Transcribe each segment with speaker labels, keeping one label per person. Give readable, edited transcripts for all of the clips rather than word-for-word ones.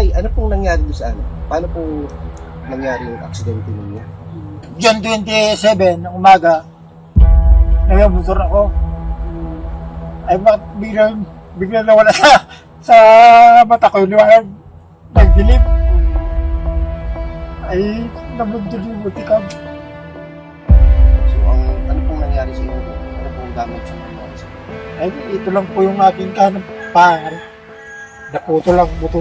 Speaker 1: Tay, ano pong nangyari doon sa ano? Paano po nangyari yung aksidente ninyo?
Speaker 2: June 27 ng umaga, nagmotor ako. Ay bakit bigla nawala sa mata ko yung liwanag. Nagdilim. Ay nabundol yung butikam.
Speaker 1: So, ano pong nangyari sa inyo doon? Ano pong damage yung nangyari sa inyo?
Speaker 2: Ay ito lang po yung aking kanang pangar. Naputo lang buto.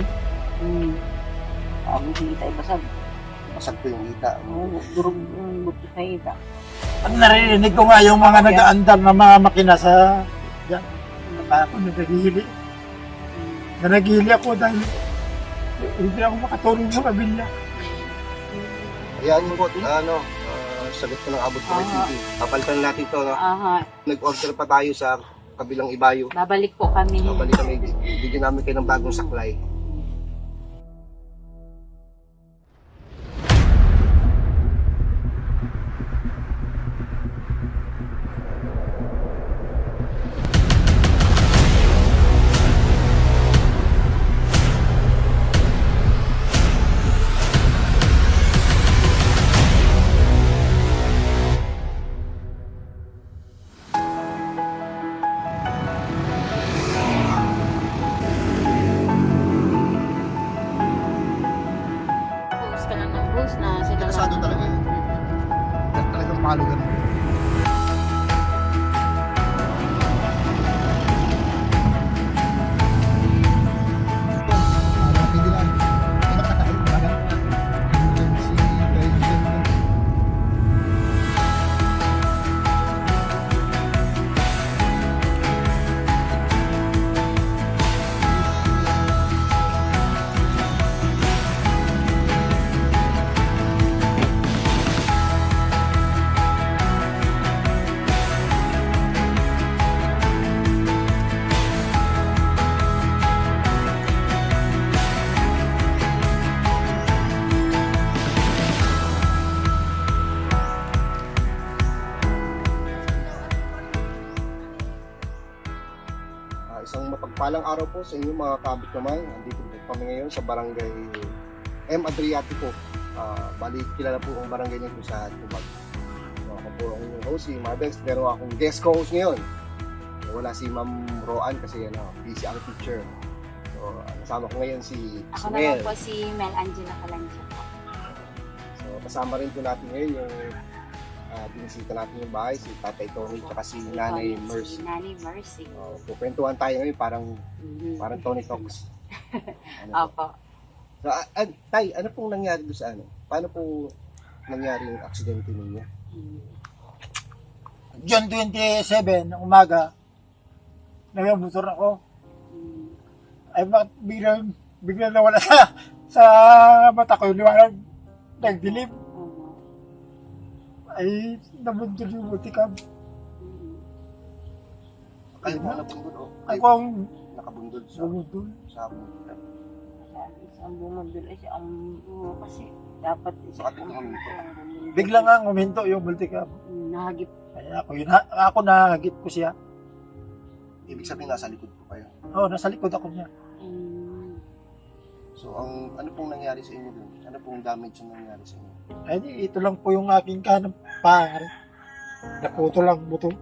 Speaker 3: Ang kita ay basag.
Speaker 1: Basag po yung hita.
Speaker 3: Durog yung buti sa hita.
Speaker 2: Ang naririnig ko nga yung mga nag-aandar na mga makina sa yan. Ako nagagihili. Nanagihili ako dahil hindi ako makatulong sa kabilya.
Speaker 1: Ayan yung po, sagot ko ng abot ko kay TV. Papalitan natin to, no?
Speaker 3: Aha,
Speaker 1: Nag-order pa tayo sa kabilang ibayo.
Speaker 3: babalik po kami.
Speaker 1: So, balik kami, bigyan namin kayo ng bagong saklay.
Speaker 3: Post ka lang ng post na sila
Speaker 1: Interesado talaga yun. Talagang palo ganun. Isang mapagpalang araw po sa inyo mga kabit naman. Andito po kami ngayon sa barangay M. Adriatico. Bali, kilala po ang barangay niyo sa Tubag. Ako po ang inyong host, si Marbex. Pero akong guest co-host ngayon. Wala si Ma'am Roan kasi busy ang teacher. So, kasama ko ngayon si
Speaker 3: Ako
Speaker 1: Mel.
Speaker 3: naman po si Mel Angela Calancia po.
Speaker 1: So, kasama rin po natin ngayon yung binisita natin yung bahay, si Tatay Tony at si Nanay Mercy.
Speaker 3: Si Nanay Mercy.
Speaker 1: Kukwentuhan tayo ngayon, parang Tony Talks. Ano po?
Speaker 3: Opo.
Speaker 1: So, Tay, ano pong nangyari doon sa ano? Paano po nangyari yung aksidente ninyo?
Speaker 2: June 27 ng umaga, nagmotor ako. Ay bakit bigla nawala sa mata ko yung liwanag. Nagdilim. Ay nabundol yung butikam.
Speaker 1: Kayo mo nabundol o?
Speaker 2: Ako ang
Speaker 1: Nakabundol sa
Speaker 2: bumundol.
Speaker 1: sabon.
Speaker 3: Ang bumundol ay ang kasi dapat
Speaker 1: Bakit huminto?
Speaker 2: Bigla nga huminto yung butikam.
Speaker 3: Nahagip.
Speaker 2: Kaya ako nahagip ko siya.
Speaker 1: Ibig sabihin nasa likod po kayo.
Speaker 2: Oo, nasa likod ako niya.
Speaker 1: So, ano pong nangyari sa inyo doon? Ano pong damage yung nangyari sa inyo?
Speaker 2: Ay ito lang po yung aking kanang pangar. Naputo lang buto.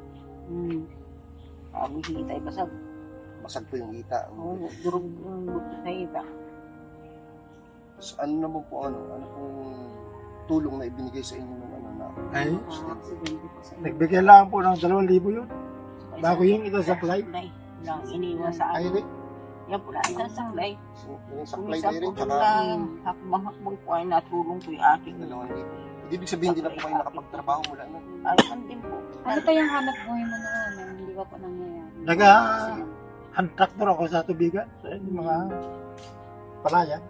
Speaker 3: Ang kita ay basag.
Speaker 1: Basag po yung hita.
Speaker 3: Durog yung buti sa hita.
Speaker 1: So, ano naman po ano pong tulong na ibinigay sa inyo ng ano na
Speaker 2: Ay,
Speaker 3: Aksidente po sa
Speaker 2: nagbigay lang po ng 2,000 yun. Bago yung ito sa flight.
Speaker 3: Lang iniwan sa
Speaker 1: Ay,
Speaker 3: akin. Yan po lang isang saklay.
Speaker 1: yung saklay
Speaker 3: Minsan
Speaker 1: kayo
Speaker 3: po
Speaker 1: rin, tsaka
Speaker 3: lang hakbang-hakbang po ay natulong po yung aking.
Speaker 1: dalawang libo. Ibig sabihin, hindi na po kayo nakapagtrabaho mula na.
Speaker 3: Ay, din po.
Speaker 4: Ano pa yung hanap buhay mo noon na hindi pa po nangyayari?
Speaker 2: Hand tractor ako sa tubigan. Sa mga palayan.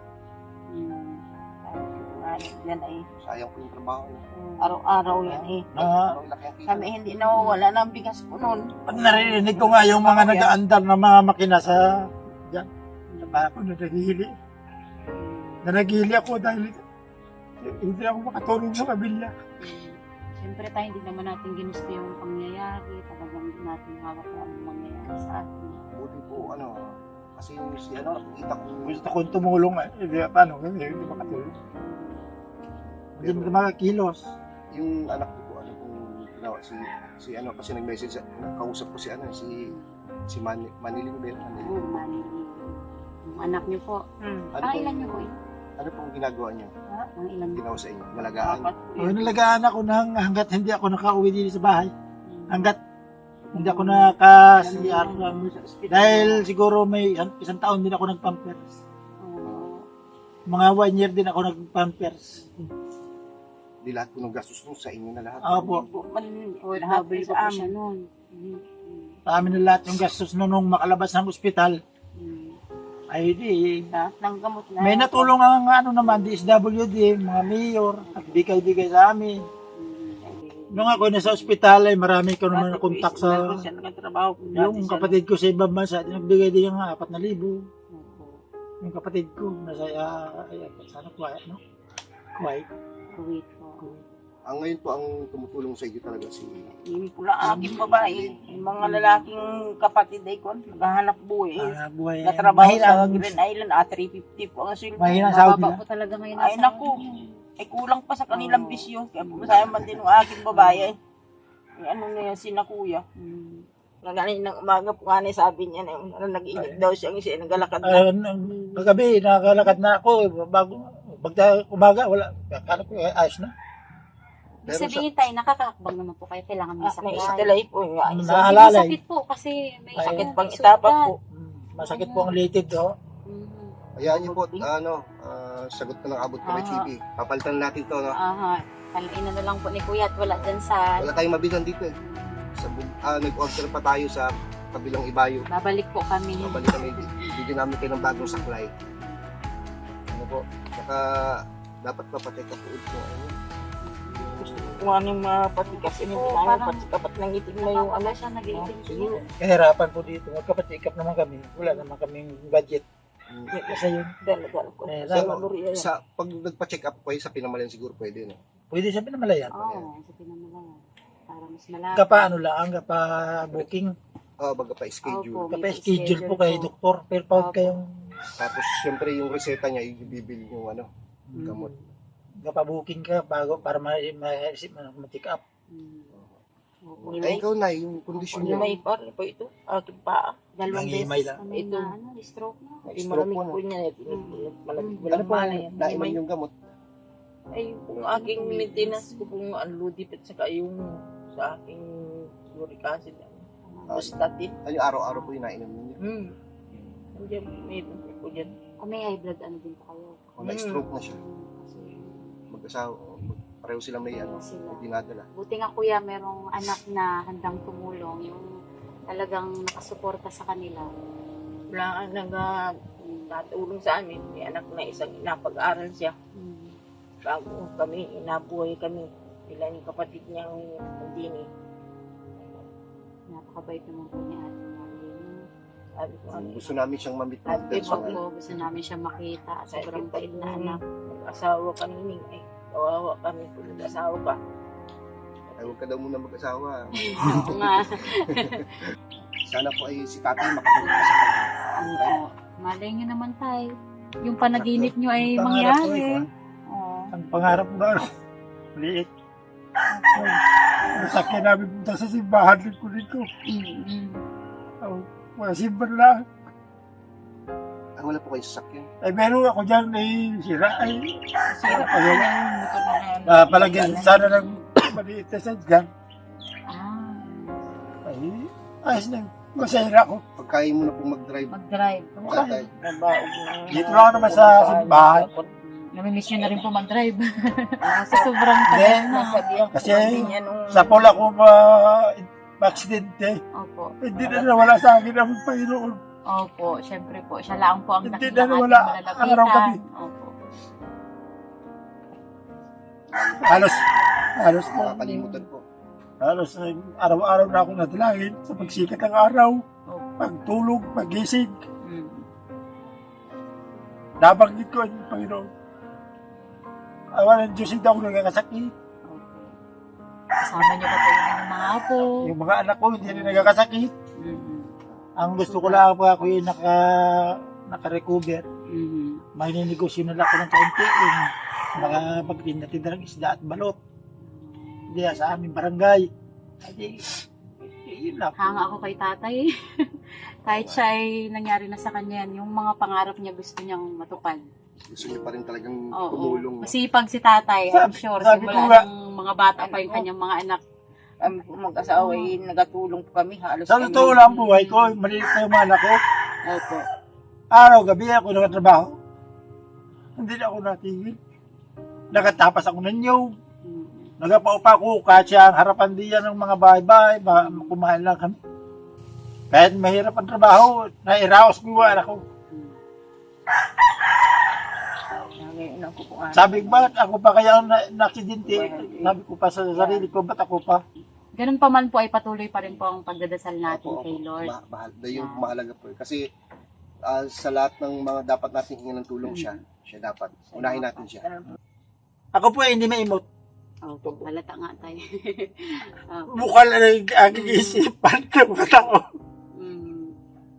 Speaker 3: Yan ay
Speaker 1: Sayang po yung trabaho.
Speaker 3: araw-araw yan eh.
Speaker 1: Ano laki ang kita?
Speaker 3: Kami hindi nawawala ng bigas po noon.
Speaker 2: Ang naririnig ko nga yung mga nag-aandar na mga makina sa yan. Ako nagagihili. Nanagihili ako dahil hindi ako makatulong sa kabilya.
Speaker 4: Siyempre tayo hindi naman natin ginusto yung pangyayari. Talagang hindi natin hawak kung anong mangyayari sa atin.
Speaker 1: Buti po, Kasi yung si ano, kita ko.
Speaker 2: Gusto kong tumulong paano? Hindi makatulong. Hindi mo makakilos.
Speaker 1: Yung anak ko po, ano kung ginawa, si ano, kasi nag-message, nakausap ko si ano, si Maniling Bell.
Speaker 4: Oo, mali. Yung anak niyo po.
Speaker 1: Ano
Speaker 4: Ah,
Speaker 1: po,
Speaker 4: ilan niyo po yun?
Speaker 1: ano pong ginagawa niyo?
Speaker 4: Ang ilan niyo?
Speaker 1: Ginawa sa inyo? Malagaan?
Speaker 2: Nalagaan ako hanggat hindi ako nakauwi dito sa bahay. Hanggat hindi ako naka-CR. Dahil siguro may isang taon din ako nag-pampers.
Speaker 4: Oo.
Speaker 2: Mga 1 year din ako nag-pampers.
Speaker 1: Di lahat po ng gastos nung sa inyo na lahat.
Speaker 2: Opo.
Speaker 3: Nahabol ko
Speaker 4: sa
Speaker 3: po siya
Speaker 4: amin.
Speaker 3: noon.
Speaker 2: Sa amin na lahat yung gastos nung makalabas ng ospital. Ay di.
Speaker 3: Lahat ng gamot na.
Speaker 2: May natulong ang ano naman, DSWD, mga mayor, at bigay-bigay sa amin. Nung ako nasa ospital ay marami ko naman nakontak sa
Speaker 3: Siya nagtrabaho po
Speaker 2: yung kapatid ko sa ibang bansa, nagbigay din yung 4,000. Yung kapatid ko, nasa, sana Kuwait, no? Kuwait.
Speaker 4: Kuwait po.
Speaker 1: Ang ngayon po ang tumutulong sa inyo talaga si
Speaker 3: Yung pula aking babae, yung mga lalaking kapatid ay kon, naghahanap buhay.
Speaker 2: Buhay.
Speaker 3: Natrabaho
Speaker 2: Mahina
Speaker 3: sa
Speaker 2: ang-
Speaker 3: Green Island, 350 po ang sweldo.
Speaker 2: Mahina ang Saudi
Speaker 4: Mababa
Speaker 2: na.
Speaker 4: po talaga ngayon.
Speaker 3: Ay
Speaker 4: ang
Speaker 3: naku, ay kulang pa sa kanilang bisyo. Kaya pumasaya man din ng aking babae. Ay, ano na yan, sina kuya. Nagaling ng umaga po nga sabi niya na yung nag-inig daw siya, kasi nagalakad na.
Speaker 2: Kagabi, nakakalakad na ako. Bago, umaga, wala. Akala ko, ayos na.
Speaker 4: Ibig sabihin tayo, nakakakbang naman po kayo. Kailangan may
Speaker 3: May
Speaker 4: sakit.
Speaker 3: istilay po yung
Speaker 2: Ano
Speaker 3: isa.
Speaker 2: na? Naalalay.
Speaker 4: Masakit po kasi may
Speaker 3: Sakit
Speaker 4: ano,
Speaker 3: pang
Speaker 4: may
Speaker 3: itapak
Speaker 4: sugat.
Speaker 3: po.
Speaker 2: Masakit po ang litid, oh.
Speaker 4: Mhm.
Speaker 1: Hayaan niyo po, sagot na ng abot ko may TV. Papalitan natin to, no?
Speaker 4: Aha. Kalain na lang po ni Kuya at wala dyan sa...
Speaker 1: Wala tayong mabilan dito eh. Nag-order pa tayo sa kabilang ibayo.
Speaker 4: Babalik po kami.
Speaker 1: Mabalik kami, bigyan namin kayo ng bagong saklay. Ano po, saka dapat papacheck up po ito.
Speaker 3: Gusto ko kung ano yung mga patikas. Hindi
Speaker 4: Oo,
Speaker 3: namin
Speaker 4: parang-
Speaker 3: patikapat ng itim na yung ano.
Speaker 4: siya nag-iitim
Speaker 2: Siguro, kahirapan po dito. Magkapatikap naman kami. Wala naman kaming budget. Kasi yun,
Speaker 3: Dala-dala ko.
Speaker 2: Eh,
Speaker 3: Sa
Speaker 2: dapat-
Speaker 3: Maluri yan.
Speaker 1: Pag nagpa-check up kayo sa Pinamalayan siguro pwede, no?
Speaker 2: pwede sa pinamalayan.
Speaker 4: Oo, sa pinamalayan. Para mas malapit.
Speaker 2: Kapa ano lang, kapa booking.
Speaker 1: Baga pa schedule.
Speaker 4: Opo.
Speaker 2: Kapa schedule po kay doktor. Pero pag
Speaker 4: Opo.
Speaker 2: kayong
Speaker 1: Tapos syempre yung reseta niya, ibibili yung ano, gamot.
Speaker 2: kapa booking ka bago para ma-check up.
Speaker 4: Oo.
Speaker 1: Ay, ikaw na, yung kondisyon
Speaker 3: Yung
Speaker 1: niya.
Speaker 3: may par po ito. Aking paa.
Speaker 4: Dalawang
Speaker 2: Nangihimay
Speaker 4: beses
Speaker 2: lang.
Speaker 4: kami
Speaker 3: Ito.
Speaker 4: na ano, stroke na.
Speaker 3: Ay,
Speaker 1: Stroke
Speaker 3: malamig
Speaker 1: po, no?
Speaker 3: po niya. Malamig.
Speaker 1: Ano
Speaker 3: Walang
Speaker 1: po,
Speaker 3: malay.
Speaker 1: naiman yung gamot?
Speaker 3: Ay, kung aking maintenance ko kung unloaded at saka yung sa aking uric acid. Statin.
Speaker 1: Ano yung araw-araw po yung nainom ninyo?
Speaker 3: Nandiyan, mayroon po dyan.
Speaker 4: Kung may high blood, ano din po kayo?
Speaker 1: Kung na-stroke na siya,
Speaker 4: Kasi
Speaker 1: mag-asawa, pareho sila may ano,
Speaker 4: sila.
Speaker 1: may dinadala.
Speaker 4: Buti nga kuya, merong anak na handang tumulong. Yung talagang nakasuporta sa kanila.
Speaker 3: Wala nga natulong sa amin. May anak na isang napag-aral siya. Bago kami, inabuhay kami. Ilan yung kapatid niyang nandini.
Speaker 4: Napakabait naman po ni Ate Marlene.
Speaker 3: Sabi ko, ano,
Speaker 1: Gusto namin siyang mamit ng
Speaker 3: Ate,
Speaker 1: personal.
Speaker 4: Opo, gusto namin siya makita. Sobrang bait na anak.
Speaker 3: Asawa kami ni ay kawawa kami kung nag-asawa ka.
Speaker 1: Ay, huwag ka daw muna mag-asawa.
Speaker 4: Oo nga.
Speaker 1: Sana po ay si tatay makatulong pa sa kanya.
Speaker 4: Oo. Malay nyo naman tayo. Yung panaginip nyo ay
Speaker 2: Pangarap ko eh,
Speaker 4: mangyari.
Speaker 2: kwan.
Speaker 4: Oo.
Speaker 2: Ang pangarap ko na, liit. Masakyan namin punta sa simbahan ng kulit ko. Wala simbahan na.
Speaker 1: Ay, wala po kayo sasakyan.
Speaker 2: Ay, meron ako dyan, ay sira. Ay,
Speaker 3: Sira pa
Speaker 2: Ayun.
Speaker 3: yung motor na yan.
Speaker 2: palagyan sana ng maliit na sadyan.
Speaker 4: Ah.
Speaker 2: Ay, ayos na. Masaya ako.
Speaker 1: Pagkain mo na po mag-drive,
Speaker 4: Mag-drive.
Speaker 1: tatay.
Speaker 3: Nabaog ng...
Speaker 2: Dito lang naman sa simbahan.
Speaker 4: Namimiss nyo na rin po mag-drive. Sa sobrang
Speaker 2: Hindi.
Speaker 4: tagal na.
Speaker 3: Nasabihan ko
Speaker 2: Kasi
Speaker 3: hindi niya nung...
Speaker 2: Sa pola ko ma-aksidente.
Speaker 4: Opo.
Speaker 2: Hindi na nawala sa akin ang Panginoon.
Speaker 4: Opo, syempre po. Siya lang po ang
Speaker 2: Hindi
Speaker 4: nakita
Speaker 2: na wala.
Speaker 4: ating malalapitan.
Speaker 2: Araw kami.
Speaker 4: Opo.
Speaker 2: Halos po.
Speaker 1: Nakakalimutan po.
Speaker 2: Halos araw-araw na akong nadalangin sa pagsikat ng araw,
Speaker 4: Opo.
Speaker 2: pagtulog, pagising.
Speaker 4: Mm.
Speaker 2: Nabanggit ko ang Panginoon. Awa ng Diyos, hindi ako nagkakasakit.
Speaker 4: Opo. Kasama niyo pa po yung inyong mga apo.
Speaker 2: Yung mga anak ko, hindi rin nagkakasakit.
Speaker 4: Mm.
Speaker 2: Ang gusto ko lang po ako yung naka-recover. May ninegosyo na lang ako ng kaunti. Yung makapagtinda-tinda ng isda at balot. Hindi sa aming barangay. Hindi, yun lang.
Speaker 4: Hanga ako kay tatay. Kahit siya ay nangyari na sa kanya yan, yung mga pangarap niya gusto niyang matupad.
Speaker 1: Gusto niyo pa rin talagang
Speaker 4: Oo.
Speaker 1: tumulong. No?
Speaker 4: Masipag si tatay, I'm sure.
Speaker 2: Sabi ko
Speaker 4: Simula
Speaker 2: nga-
Speaker 4: ng mga bata pa yung kanyang mga anak.
Speaker 3: Kami po mag-asawa, nagatulong po kami. Halos
Speaker 2: Sa
Speaker 3: kami-
Speaker 2: totoo lang buhay ko, maliit na yung mga anak ko.
Speaker 3: Opo.
Speaker 2: Araw-gabi ako nakatrabaho. Hindi na ako natigil. Nakatapas ako ng nyog. Nagapaupa ko kahit siya ang harapan diyan ng mga bahay-bahay. Kumain lang kami. Kahit mahirap ang trabaho, nairaos ko yung anak ko.
Speaker 3: Ngayon ako po nga.
Speaker 2: Sabi ko, bakit ako pa kaya ang na-aksidente? Sabi ko pa sa sarili ko, ba't ako pa?
Speaker 4: Ganun pa man po ay patuloy pa rin po ang pagdadasal natin
Speaker 1: Opo,
Speaker 4: kay Lord.
Speaker 1: Mahal. Yung mahalaga po. Kasi sa lahat ng mga dapat natin hingin ng tulong siya dapat. Unahin natin siya.
Speaker 2: Ako po ay hindi maimot.
Speaker 4: Opo, halata nga tayo. Opo.
Speaker 2: Bukal na yung aking isipan ng mga tao.
Speaker 4: Mm.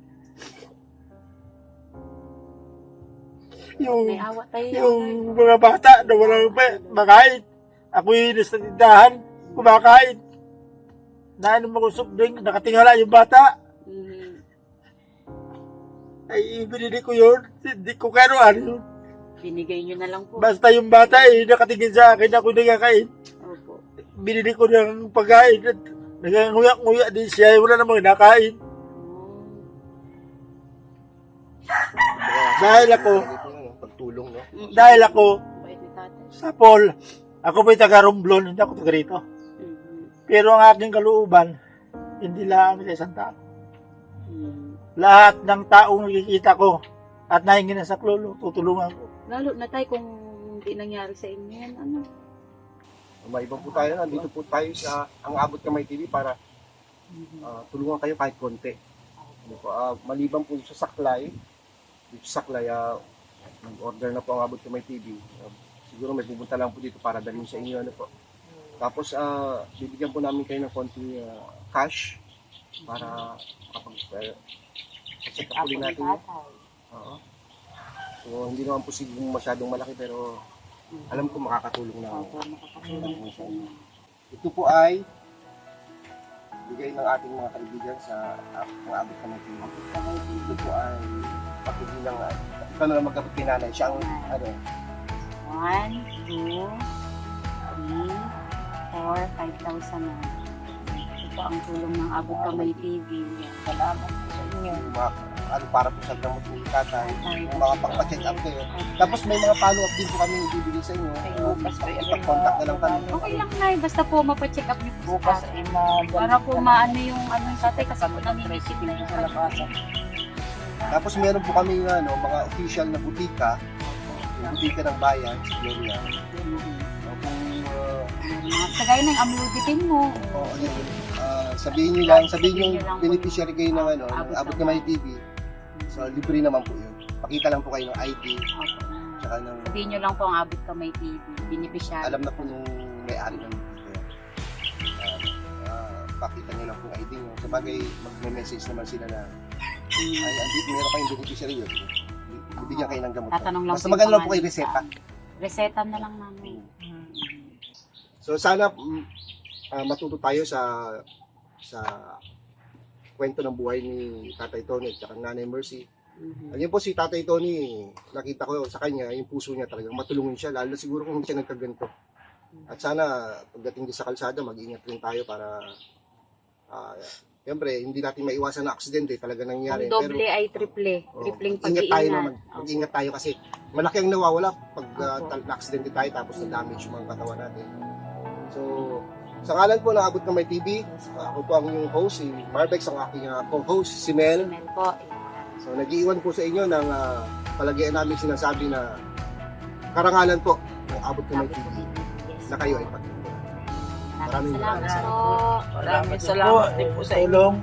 Speaker 2: Yung,
Speaker 4: May awa tayo.
Speaker 2: yung mga bata na walang makain. Ako yung nasa tindahan, kumakain. Nainom ako soft drink, nakatingala yung bata.
Speaker 4: Mm.
Speaker 2: Ay, binili ko yun. Hindi ko kano ano yun.
Speaker 4: Binigay nyo na lang po.
Speaker 2: Basta yung bata eh, nakatingin sa akin, ako nagkakain.
Speaker 4: Opo.
Speaker 2: Binili ko ng pagkain at naganguyak-nguyak din siya, wala namang nakain. Dahil ako,
Speaker 1: Pagtulong, no?
Speaker 2: dahil ako,
Speaker 4: Bait ni tatay.
Speaker 2: sa Paul, ako po'y taga-Romblon, hindi ako taga rito.
Speaker 4: Mm.
Speaker 2: Pero ang aking kalooban, hindi lang sa isang tao.
Speaker 4: Mm.
Speaker 2: Lahat ng taong nakikita ko at nahingi ng saklolo, tutulungan ko.
Speaker 4: Lalo na tayo kung hindi nangyari sa inyo yan, ano?
Speaker 1: May ibang po tayo. Nandito po tayo sa Ang Abot Kamay TV para tulungan kayo kahit konti. Ano po, maliban po sa Saklay, dito sa Saklay, nag-order na po Ang Abot Kamay TV. Siguro may pupunta lang po dito para dalhin sa inyo. Ano po. Tapos, bibigyan po namin kayo ng konting cash para check up ulit natin. Oo. So, hindi naman po siguro masyadong malaki pero alam ko makakatulong na.
Speaker 4: Opo, makakatulong sa inyo.
Speaker 1: Ito po ay bigay ng ating mga kaibigan sa mga abot ka ng team. Ito po ay pakibilang ito na lang magkapit pinanay. Siya ang ano,
Speaker 4: 1, 2, 3, 4, 5,000 na. Ito ang tulong ng Abot Kamay TV.
Speaker 3: Salamat po sa inyo.
Speaker 1: yung mga ano para po sa gamot ng tatay, yung mga pagpa-check up kayo. Tapos may mga follow-up din po kami ibibigay sa inyo.
Speaker 3: Bukas pa yun.
Speaker 1: Ipag-contact na lang kami.
Speaker 4: Okay lang na, basta po mapacheck up niyo po
Speaker 3: Bukas
Speaker 4: sa
Speaker 3: ay
Speaker 4: para po maano yung ano yung tatay kasi po nangingisip na yung
Speaker 3: sa labasan.
Speaker 1: Tapos meron po kami ano, mga official na butika, yung butika ng bayan, sa Gloria. Kung
Speaker 4: Kagaya na yung amluditin mo.
Speaker 1: sabihin nyo lang, sabihin yung beneficiary kayo ng ano, ng Abot Kamay TV. So, libre naman po yun. Pakita lang po kayo ng ID, tsaka ng,
Speaker 4: Sabihin nyo lang po ang Abot Kamay TV. Beneficiary.
Speaker 1: alam na po nung may-ari ng butika. Pakita nyo lang po ang ID nyo. Sabagay, mag-message naman sila na, ay, andito, meron kayong beneficiary yun. Bibigyan kayo ng gamot.
Speaker 4: Tatanong lang
Speaker 1: Basta
Speaker 4: po yung
Speaker 1: maganda lang po
Speaker 4: pangalan.
Speaker 1: kayo reseta.
Speaker 4: Reseta na lang namin.
Speaker 1: So, sana matuto tayo sa kwento ng buhay ni Tatay Tony at saka Nanay Mercy. Ayun po si Tatay Tony, nakita ko sa kanya, yung puso niya talagang matulungin siya, lalo siguro kung hindi siya nagkaganto. At sana pagdating din sa kalsada, mag-ingat rin tayo para siyempre, hindi natin maiwasan na aksidente talaga nangyari.
Speaker 4: Kung doble ay triple. Tripling pag-iingat.
Speaker 1: Mag-ingat tayo kasi malaki ang nawawala pag na-aksidente tayo tapos na-damage yung mga katawan natin. So, sa ngalan po ng Abot Kamay TV, ako po ang inyong host, si Marbex, ang aking co-host, si Mel.
Speaker 4: Simel po.
Speaker 1: So, nag-iwan po sa inyo ng palagyan namin sinasabi na karangalan po ng Abot Kamay TV na kayo ay pagkakita. Maraming
Speaker 4: Salamat po.
Speaker 3: Maraming salamat din po sa inyo.
Speaker 2: Tulong.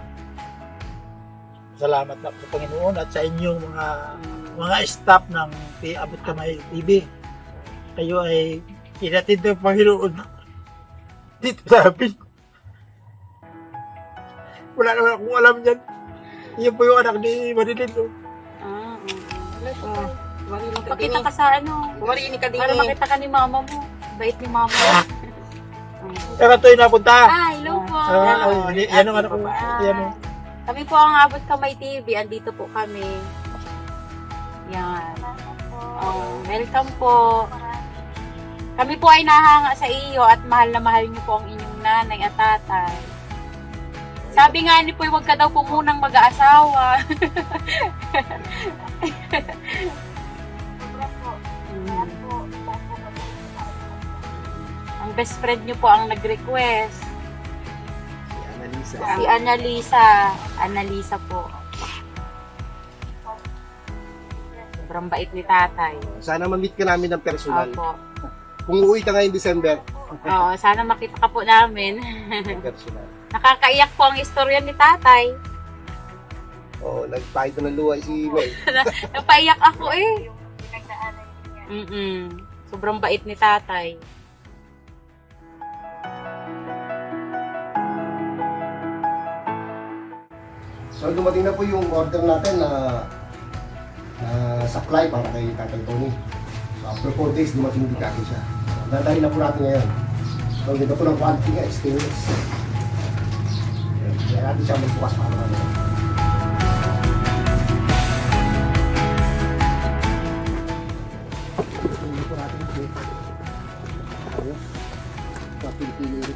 Speaker 2: Salamat na sa Panginoon at sa inyong mga staff ng Abot Kamay TV. Kayo ay kinatid ng Panginoon dito sa amin. Wala naman akong alam yan. Iyon po yung anak ni Marilyn. Oh.
Speaker 4: Ah,
Speaker 3: Oh, marinig ka din
Speaker 4: Pakita ka sa ano.
Speaker 3: Marinig ka din
Speaker 4: Para makita ka ni mama mo. Bait ni mama.
Speaker 2: Kaya ito yung napunta.
Speaker 4: Ah, hello po.
Speaker 2: Yan ang anak ko. Yan o.
Speaker 4: Kami po ang Abot Kamay TV. Andito po kami. Yan. Oh, welcome po. Kami po ay nahanga sa iyo at mahal na mahal niyo po ang inyong nanay at tatay. Sabi nga ni po, huwag ka daw po munang mag-aasawa. Ang best friend niyo po ang nag-request.
Speaker 1: Si Annalisa.
Speaker 4: Si Annalisa. Annalisa po. Sobrang bait ni tatay.
Speaker 1: Sana ma-meet ka namin ng personal.
Speaker 4: Opo.
Speaker 1: Kung uuwi ka ngayong December,
Speaker 4: Oo, sana makita ka po namin.
Speaker 1: personal.
Speaker 4: Nakakaiyak po ang istorya ni tatay.
Speaker 1: Oo, nagpahito ng luha si May.
Speaker 4: Napaiyak ako eh. Sobrang bait ni tatay.
Speaker 1: So dumating na po yung order natin na supply para kay Tatay Tony. So after 4 days, dumating din kagad siya. So dadahin na po natin ngayon. So ganda po ng quality niya, stainless. Kaya natin siya magbukas para naman. Hindi po natin ito. Ayos. Pili-pili ulit.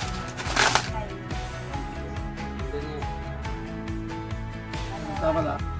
Speaker 2: Tama na.